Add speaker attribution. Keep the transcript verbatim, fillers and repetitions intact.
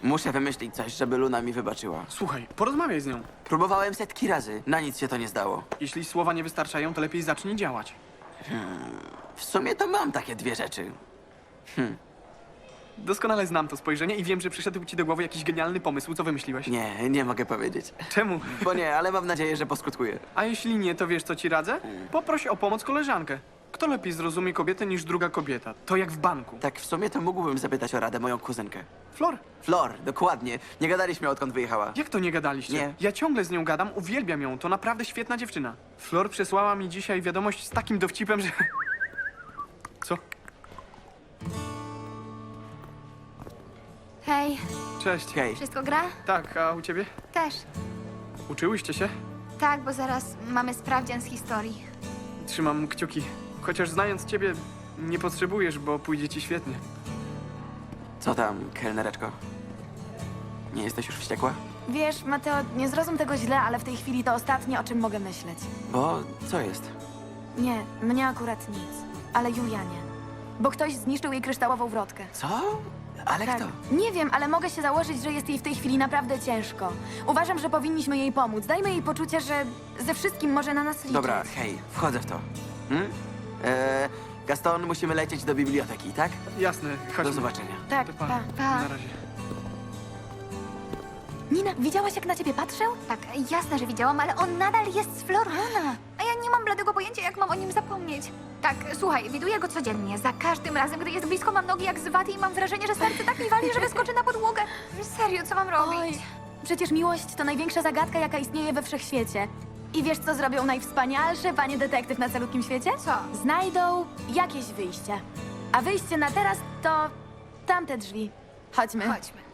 Speaker 1: Muszę wymyślić coś, żeby Luna mi wybaczyła.
Speaker 2: Słuchaj, porozmawiaj z nią.
Speaker 1: Próbowałem setki razy, na nic się to nie zdało.
Speaker 2: Jeśli słowa nie wystarczają, to lepiej zacznij działać.
Speaker 1: W sumie to mam takie dwie rzeczy.
Speaker 2: Doskonale znam to spojrzenie i wiem, że przyszedł ci do głowy jakiś genialny pomysł. Co wymyśliłeś?
Speaker 1: Nie, nie mogę powiedzieć.
Speaker 2: Czemu?
Speaker 1: Bo nie, ale mam nadzieję, że poskutkuje.
Speaker 2: A jeśli nie, to wiesz, co ci radzę? Poproś o pomoc koleżankę. Kto lepiej zrozumie kobietę niż druga kobieta? To jak w banku.
Speaker 1: Tak w sumie to mógłbym zapytać o radę moją kuzynkę.
Speaker 2: Flor,
Speaker 1: Flor, dokładnie. Nie gadaliśmy, odkąd wyjechała.
Speaker 2: jak to nie gadaliście?
Speaker 1: Nie.
Speaker 2: Ja ciągle z nią gadam, uwielbiam ją. To naprawdę świetna dziewczyna. Flor przesłała mi dzisiaj wiadomość z takim dowcipem, że... Co?
Speaker 3: Hej,
Speaker 2: Cześć.
Speaker 1: Hej,
Speaker 3: wszystko gra?
Speaker 2: Tak, a u ciebie?
Speaker 3: Też.
Speaker 2: Uczyłyście się?
Speaker 3: Tak, bo zaraz mamy sprawdzian z historii.
Speaker 2: Trzymam kciuki. Chociaż znając ciebie, nie potrzebujesz, bo pójdzie ci świetnie.
Speaker 1: co tam, kelnereczko? Nie jesteś już wściekła?
Speaker 4: Wiesz, Mateo, nie zrozum tego źle, ale w tej chwili to ostatnie, o czym mogę myśleć.
Speaker 1: Bo co jest?
Speaker 4: Nie, mnie akurat nic. Ale Julianie. Bo ktoś zniszczył jej kryształową wrotkę.
Speaker 1: Co? Ale
Speaker 4: Tak.
Speaker 1: kto?
Speaker 4: Nie wiem, ale mogę się założyć, że jest jej w tej chwili naprawdę ciężko. Uważam, że powinniśmy jej pomóc. Dajmy jej poczucie, że ze wszystkim może na nas liczyć.
Speaker 1: Dobra, hej, wchodzę w to. Hmm? Eee, Gaston, musimy lecieć do biblioteki, tak?
Speaker 2: Jasne, chodźmy.
Speaker 1: Do zobaczenia.
Speaker 4: Tak,
Speaker 2: To pa.
Speaker 4: pa.
Speaker 3: Pa.
Speaker 2: Na razie.
Speaker 4: Nina, widziałaś, jak na ciebie patrzył?
Speaker 3: Tak, jasne, że widziałam, ale on nadal jest z Florana. A ja nie mam bladego pojęcia, jak mam o nim zapomnieć. Tak, słuchaj, widuję go codziennie. Za każdym razem, gdy jest blisko, mam nogi jak z waty i mam wrażenie, że serce tak mi wali, że wyskoczy na podłogę. Serio, co mam robić?
Speaker 4: Oj, przecież miłość to największa zagadka, jaka istnieje we wszechświecie. I wiesz, co zrobią najwspanialsze panie detektyw na calutkim świecie?
Speaker 3: Co?
Speaker 4: Znajdą jakieś wyjście. A wyjście na teraz to tamte drzwi. Chodźmy.
Speaker 3: Chodźmy.